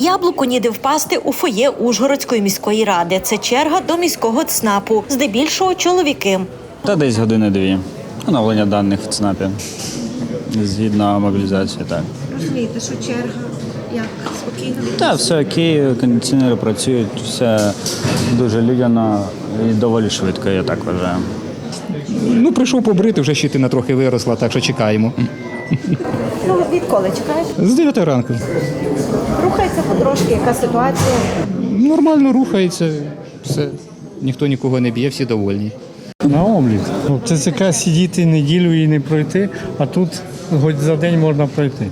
Яблуку ніде впасти у фоє Ужгородської міської ради. Це черга до міського ЦНАПу. Здебільшого чоловіки. Та десь години-дві. Оновлення даних в ЦНАПі. Згідно мобілізації, так. Розумієте, що черга як спокійно? Так, все окей, кондиціонери працюють, все дуже людяно і доволі швидко, я так вважаю. Ну, прийшов побрити, вже щитина трохи виросла, так що чекаємо. Ну, відколи чекаєте? З 9 ранку. Рухається потрошки, яка ситуація? Нормально рухається, все. Ніхто нікого не б'є, всі довольні. На облік. Це ЦК сидіти неділю і не пройти, а тут хоч за день можна пройти.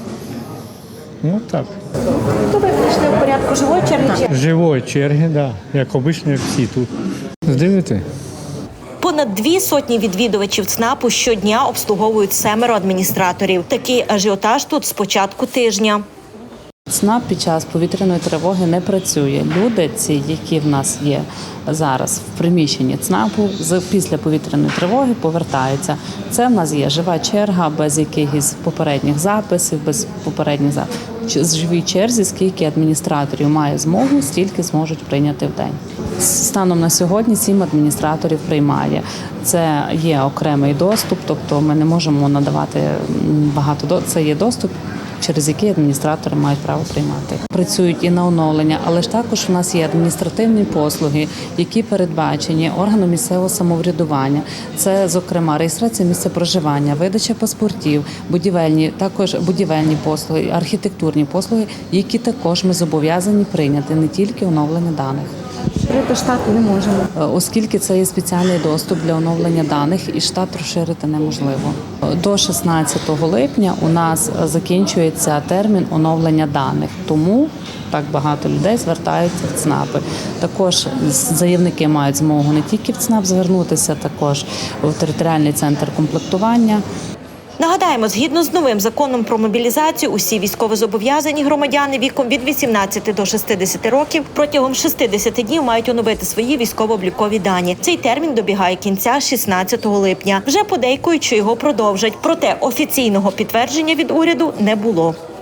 Ну так. То ви прийшли в порядку живої черги? Живої черги, да, як обично, як всі тут. З 9. Понад 200 відвідувачів ЦНАПу щодня обслуговують 7 адміністраторів. Такий ажіотаж тут з початку тижня. ЦНАП під час повітряної тривоги не працює. Люди, ці, які в нас є зараз в приміщенні ЦНАПу, після повітряної тривоги повертаються. Це в нас є жива черга, без якихось попередніх записів, без попередніх записів. З живій черзі, скільки адміністраторів має змогу, стільки зможуть прийняти в день. Станом на сьогодні 7 адміністраторів приймає. Це є окремий доступ, тобто ми не можемо надавати багато. Це є доступ, через який адміністратори мають право приймати. Працюють і на оновлення, але ж також у нас є адміністративні послуги, які передбачені органом місцевого самоврядування. Це, зокрема, реєстрація місця проживання, видача паспортів, також будівельні послуги, архітектурні послуги, які також ми зобов'язані прийняти, не тільки оновлення даних. Розширити штат не можемо. Оскільки це є спеціальний доступ для оновлення даних, і штат розширити неможливо. До 16 липня у нас закінчується термін оновлення даних, тому так багато людей звертаються в ЦНАПи. Також заявники мають змогу не тільки в ЦНАП звернутися, також в територіальний центр комплектування. Нагадаємо, згідно з новим законом про мобілізацію, усі військовозобов'язані громадяни віком від 18 до 60 років протягом 60 днів мають оновити свої військово-облікові дані. Цей термін добігає кінця 16 липня. Вже подейкують, що його продовжать. Проте офіційного підтвердження від уряду не було.